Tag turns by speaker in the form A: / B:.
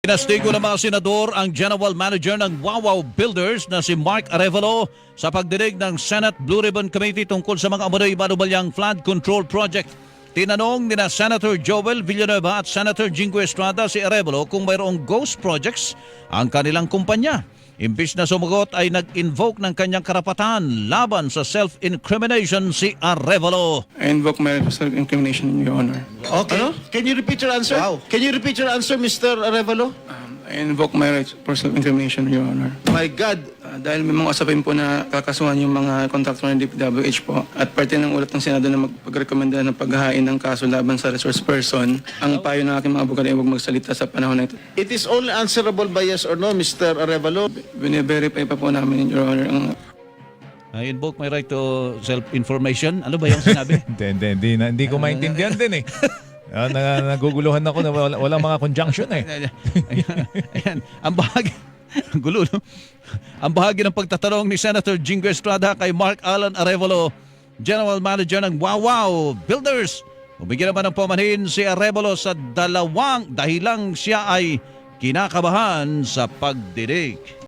A: Pinastigo ng mga senador ang General Manager ng Wawaw Builders na si Mark Arevalo sa pagdinig ng Senate Blue Ribbon Committee tungkol sa mga umano'y manubalyang flood control project. Tinanong nina Senator Joel Villanueva at Senator Jingo Estrada si Arevalo kung mayroong ghost projects ang kanilang kumpanya. Imbis na sumagot ay nag-invoke ng kanyang karapatan laban sa self-incrimination si Arevalo.
B: I invoke my self-incrimination, Your Honor.
C: Okay. Can you repeat your answer?
D: Wow.
C: Can you repeat your answer, Mr. Arevalo?
B: I invoke my right for self-incrimination, Your Honor.
C: My God.
B: Dahil may mga usapin po na kakasuhan yung mga kontraktor ng DPWH po at parte ng ulat ng Senado na magpagrekomenda ng paghahain ng kaso laban sa resource person, ang payo ng aking mga abogado ay huwag magsalita sa panahon na ito.
C: It is only answerable by yes or no, Mr. Arevalo.
B: Bine-verify pa po namin, Your Honor, ang
A: I invoke my right to self-information. Ano ba yung sinabi?
D: Hindi ko maintindihan din eh. Naguguluhan ako na walang mga conjunction eh.
A: Ayan, ang bahagi, ang gulo, no? Ang bahagi ng pagtatanong ni Senator Jingo Estrada kay Mark Alan Arevalo, General Manager ng Wawaw Builders. Umigil naman ng pamanhin si Arevalo sa dalawang dahilang siya ay kinakabahan sa pagdinig.